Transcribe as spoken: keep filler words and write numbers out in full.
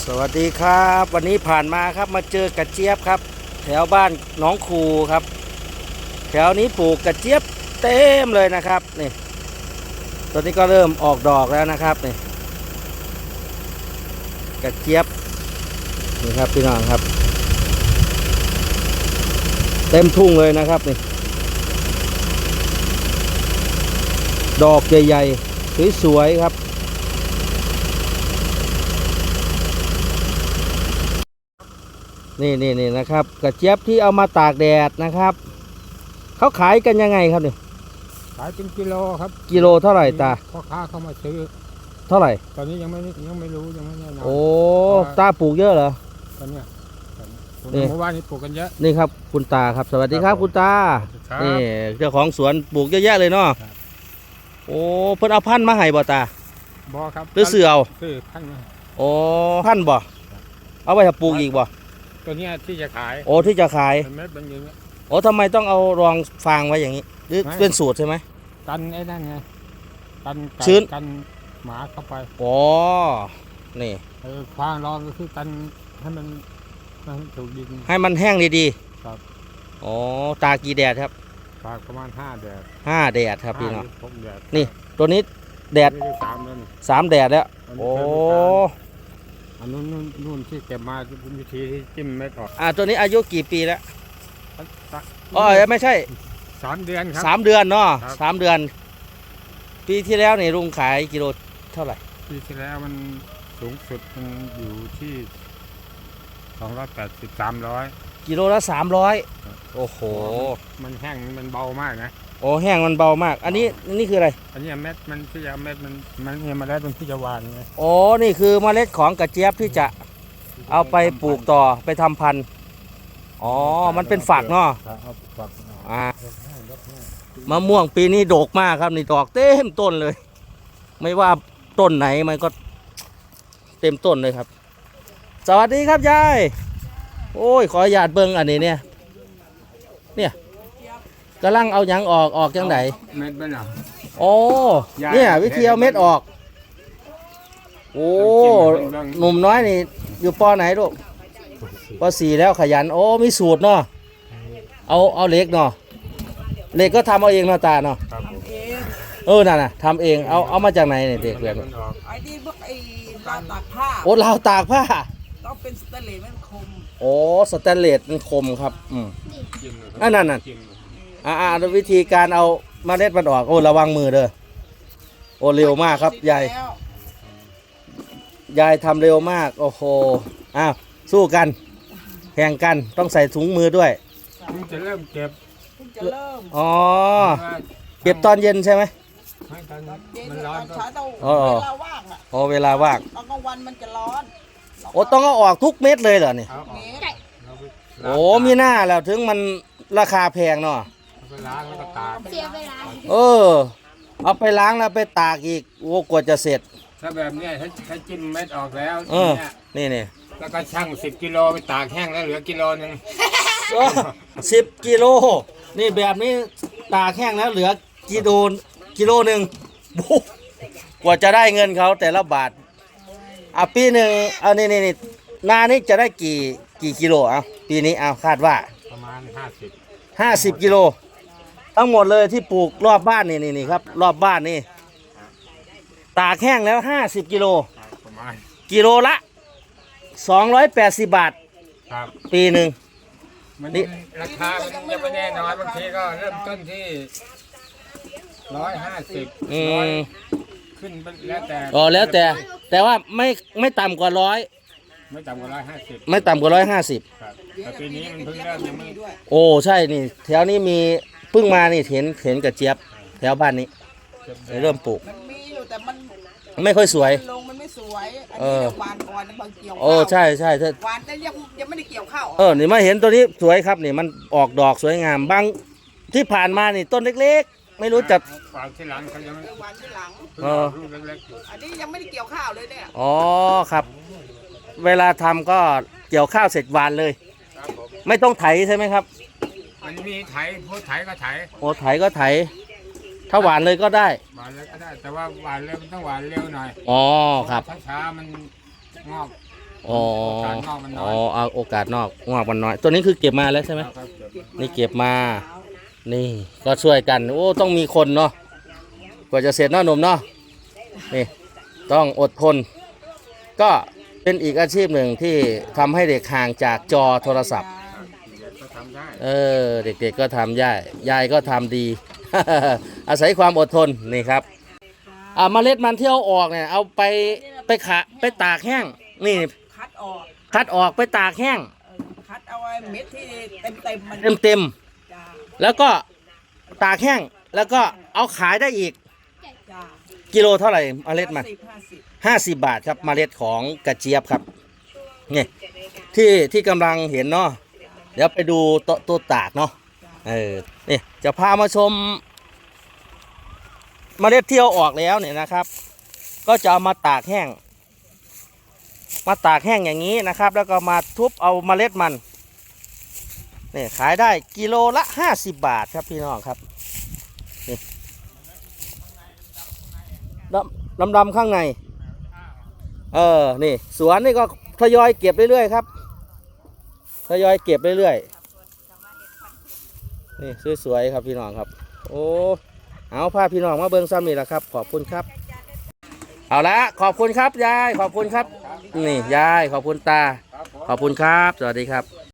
สวัสดีครับวันนี้ผ่านมาครับมาเจอกระเจี๊ยบครับแถวบ้านหนองคูครับแถวนี้ปลูกกระเจี๊ยบเต็มเลยนะครับนี่ตอนนี้ก็เริ่มออกดอกแล้วนะครับนี่กระเจี๊ยบนี่ครับพี่น้องครับเต็มทุ่งเลยนะครับนี่ดอกใหญ่ๆสวยๆครับนี่นี่นี่นะครับกระเจี๊ยบที่เอามาตากแดดนะครับเขาขายกันยังไงครับนี่ขายเป็นกิโลครับกิโลเท่าไหร่ตาพ่อค้าเข้ามาซื้อเท่าไหร่ตอนนี้ยังไม่ยังไม่รู้ยังไม่แน่นอนโอ้ตาปลูกเยอะเหรอตอนนี้เมื่อวานนี้ปลูกกันเยอะนี่ครับคุณตาครับสวัสดีครับคุณตานี่เจ้าของสวนปลูกเยอะแยะเลยเนาะโอ้เพิ่นเอาพันธุ์มาให้บ่ตาบ่ครับหรือซื้อเอาซื้อพันธุ์มาโอ้พันธุ์บ่เอาไว้ปลูกอีกบ่ตัวนี้ที่จะขายโอ้ที่จะขายเม็ดเป็นอย่างนี้โอ้ทำไมต้องเอารองฟางไว้อย่างนี้หรือเป็นสูตรใช่ไหมกันไอ้นั่นไงกันชื้นกันหมาเข้าไปอ๋อนี่เออฟางรองก็คือกันให้มันให้ถูกดินให้มันแห้งดีๆครับอ๋อตากี่แดดครับตากประมาณห้าแดดห้าแดดครับพี่น้องนี่ตัวนี้แดดสามแล้วสามแดดแล้วโอ้อันนู้นนู่นที่เก็บมาเป็นวิธีที่จิ้มเม็ดออกอ่าตัวนี้อายุกี่ปีแล้วอ๋อไม่ใช่สามเดือนครับสามเดือนเนาะสามเดือนปีที่แล้วนี่ลุงขายกิโลเท่าไหร่ปีที่แล้วมันสูงสุดมันอยู่ที่สองร้อยแปดสิบสามร้อยกิโลละสามร้อยโอ้โหมันแห้งมันเบามากนะโอ้แห้งมันเบามากอันนี้นี่คืออะไรอันนี้เม็ดมันที่จะเม็ดมันมันเนี่ยเมล็ดมันที่จะหวานไงโอ้นี่คือเมล็ดของกระเจี๊ยบที่จะเอาไปปลูกต่อไปทำพันธุ์อ๋อมันเป็นฝักเนาะอ่ามะม่วงปีนี้ดกมากครับนี่ดอกเต็มต้นเลยไม่ว่าต้นไหนมันก็เต็มต้นเลยครับสวัสดีครับยายโอ้ยขออนุญาตเบิ้งอันนี้เนี่ยเนี่ยกำลังเอาหยังออกออกจังไหนเม็ดมันอ่ะโอ้เนี่ยวิธีเอาเม็ดออกโอ้หนุ่มน้อยนี่อยู่ปอไหนลูกปอสี่แล้วขยันโอ้มีสูตรเนาะเอาเอาเหล็กเนาะเหล็กก็ทำเอาเองเนาะตาเนาะเออน่ะน่ะทำเองเอาเอามาจากไหนเนี่ยเด็กเรียนไอ้นี่พวกไอ้ราวตากผ้าโอ้ราวตากผ้าต้องเป็นสแตนเลสมันคมโอ้สแตนเลสมันคมครับอืมอันนั้นน่ะอ่าวิธีการเอาเมล็ดมันออกโอ้ระวังมือเด้อโอ้เร็วมากครับยายยายทำเร็วมากโอ้โหอ้าวสู้กันแข่งกันต้องใส่ถุงมือด้วยคุณจะเริ่มเก็บคุณจะเริ่มอ๋อเก็บตอนเย็นใช่ไหมไม่ตอนเย็นมันร้อนก็เวลาว่างอ่ะอ๋อเวลาว่างตอนกลางวันมันจะร้อนโอ้ต้องเอาออกทุกเม็ดเลยเหรอเนี่ยโอ้มีหน้าแล้วถึงมันราคาแพงเนาะไปล้างแล้วก็ตากเสียเวลาเออเอาไปล้างแล้วไปตากอีกโอ้กว่าจะเสร็จถ้าแบบนี้ถ้าถ้าจิ้มเม็ดออกแล้วเออนี่นี่แล้วก็ชั่งสิบกิโลไปตากแห้งแล้วเหลือกิโลนึงสิบกิโลนี่แบบนี้ตากแห้งแล้วเหลือกิโลกิโลหนึ่งกว่าจะได้เงินเขาแต่ละบาทอ่ะปีหนึ่งเอานี่นี่นี่นานี้จะได้กี่กี่กิโลอ่ะปีนี้เอาคาดว่าประมาณห้าสิบห้าสิบกิโลทั้งหมดเลยที่ปลูกรอบบ้านนี่นี่นี่ครับรอบบ้านนี่ตากแห้งแล้วห้าสิบกิโลกิโลละสองร้อยแปดสิบบาทปีหนึ่งนี่ราคามันยังไม่แน่นอนบางทีก็เริ่มต้นที่ร้อยห้าสิบขึ้นแล้วแต่อ๋อแล้วแต่แต่ว่าไม่ไม่ต่ำกว่าร้อยไม่ต่ำกว่าร้อยห้าสิบไม่ต่ำกว่าร้อยห้าสิบแต่ปีนี้มันเพิ่งเริ่มยังไม่โอ้ใช่นี่แถวนี้มีเพิ่งมานี่เห็นเห็นกระเจี๊ยบแถวบ้านนี้เริ่มปลูกมันมีอยู่แต่มันไม่ค่อยสวยลงมันไม่สวยอันนี้หวานก่อนบางเกี่ยวโอ้ใช่ใช่หวานแต่ยังยังไม่ได้เกี่ยวข้าวเออนี่มาเห็นตัวนี้สวยครับนี่มันออกดอกสวยงามบางที่ผ่านมานี่ต้นเล็กๆไม่รู้จักหวานที่หลังเขายังหวานที่หลังเอออันนี้ยังไม่ได้เกี่ยวข้าวเลยเนี่ยอ๋อครับเวลาทำก็เกี่ยวข้าวเสร็จหวานเลยไม่ต้องไถใช่ไหมครับมันมีไถพูดไถก็ไถโอ้ไถก็ไถถ้าหวานเลยก็ได้หวานเลยก็ได้แต่ว่าหวานเร็วมันต้องหวานเร็วหน่อยอ๋อครับช้าๆมันงอกอ๋อโอกาสงอกมันน้อ๋ออย เอาโอกาสนอกงอกมันน้อย ตัวนี้คือเก็บมาแล้วใช่ไหมครับเก็บมานี่เก็บมา นี่ก็ช่วยกัน โอ้ ต้องมีคนเนาะ กว่าจะเสร็จเนาะหนุ่มเนาะ นี่ ต้องอดทน ก็เป็นอีกอาชีพหนึ่งที่ทำให้เด็กห่างจากจอโทรศัพท์ก็ทำได้เออ เด็กๆก็ทำยายยายก็ทำดี อาศัยความอดทน นี่ครับ อ่าเมล็ดมันที่เอาออกเนี่ย เอาไปไปขะไปตากแห้ง นี่คัดออกคัดออกไปตากแห้งเออคัดเอาไอ้เม็ดที่เต็มเต็มๆมันเต็มเต็มจ้าๆแล้วก็ตากแห้ง แล้วก็เอาขายได้อีกจ้ากิโลเท่าไหร่เมล็ดมันสิบห้าสิบห้าสิบบาทครับเมล็ดของกระเจี๊ยบครับนี่ที่ที่กำลังเห็นเนาะเดี๋ยวไปดูโตะตัวตากเนาะเออนี่จะพามาชมเมล็ดที่เอาออกแล้วเนี่ยนะครับ ก็จะเอามาตากแห้ง มาตากแห้งอย่างนี้นะครับ แล้วก็มาทุบเอาเมล็ดมันนี่ขายได้กิโลละห้าสิบบาทครับพี่น้องครับนี่ดำดำดำข้างใน เออ นี่ สวนนี่ก็ทยอยเก็บเรื่อยๆครับ ทยอยเก็บเรื่อยๆ นี่สวยๆครับพี่น้องครับ โอ้ เอาพาพี่น้องมาเบิ่งซ้ำนี่แหละครับ ขอบคุณครับ เอาละขอบคุณครับยาย ขอบคุณครับ นี่ยาย ขอบคุณตาครับผมขอบคุณครับ สวัสดีครับ